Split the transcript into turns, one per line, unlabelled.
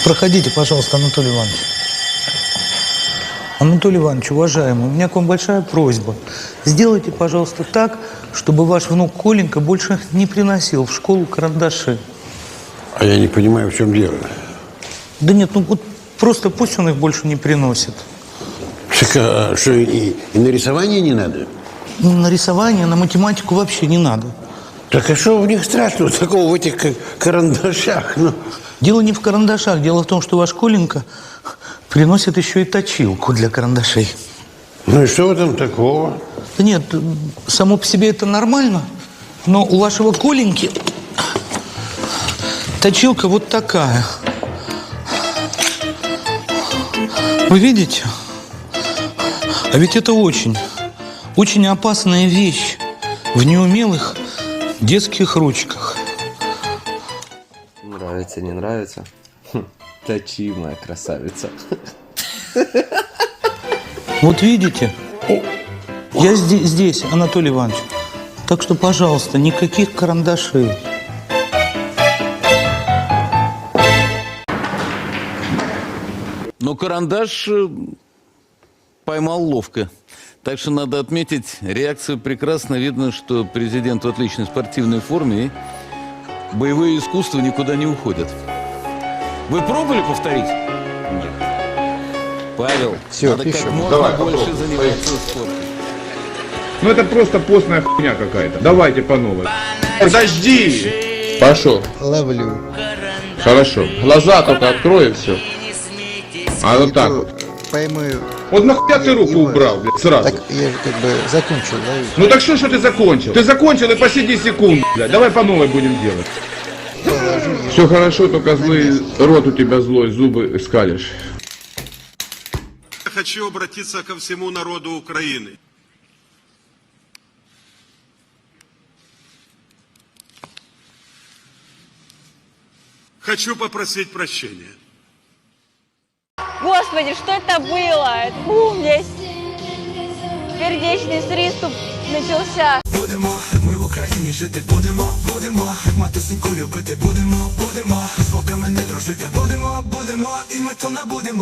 Проходите, пожалуйста, Анатолий Иванович. Анатолий Иванович, уважаемый, у меня к вам большая просьба. Сделайте, пожалуйста, так, чтобы ваш внук Коленька больше не приносил в школу карандаши.
А я не понимаю, в чем дело.
Да нет, ну вот просто пусть он их больше не приносит.
Так, а что, и на рисование не надо?
На рисование, на математику вообще не надо.
Так а что в них страшного такого в этих карандашах? Ну?
Дело не в карандашах, дело в том, что ваш Коленька приносит еще и точилку для карандашей.
Ну и что в этом такого?
Да нет, само по себе это нормально, но у вашего Коленьки точилка вот такая. Вы видите? А ведь это очень опасная вещь в неумелых детских ручках.
Нравится, не нравится? Точимая красавица.
Вот видите? Я здесь, Анатолий Иванович. Так что, пожалуйста, никаких карандашей.
Но карандаш поймал ловко. Так что надо отметить, реакцию прекрасно видно, что президент в отличной спортивной форме и боевые искусства никуда не уходят. Вы пробовали повторить? Нет. Павел,
Все,
надо
пишем.
как можно
Давай,
больше
попробуй.
заниматься спортом.
Ну это просто постная хуйня какая-то. Давайте по новой. Подожди!
Пошел.
Ловлю.
Хорошо. Глаза только открой и все. А вот так вот.
Пойму.
Вот нахуя ты руку убрал, блядь, сразу?
Так я же как бы закончил, да?
Ну так что ты закончил? Ты закончил и посиди секунду, блядь. Давай по новой будем делать. Все хорошо, только злый рот у тебя злой, зубы скалишь.
Я хочу обратиться ко всему народу Украины. Хочу попросить прощения.
Господи, что это было? Фу, у меня сердечный приступ начался.
Будемо, ми в Україні жити будемо, як матусеньку любити будемо, з вовками не дружити будемо, і ми то набудемо.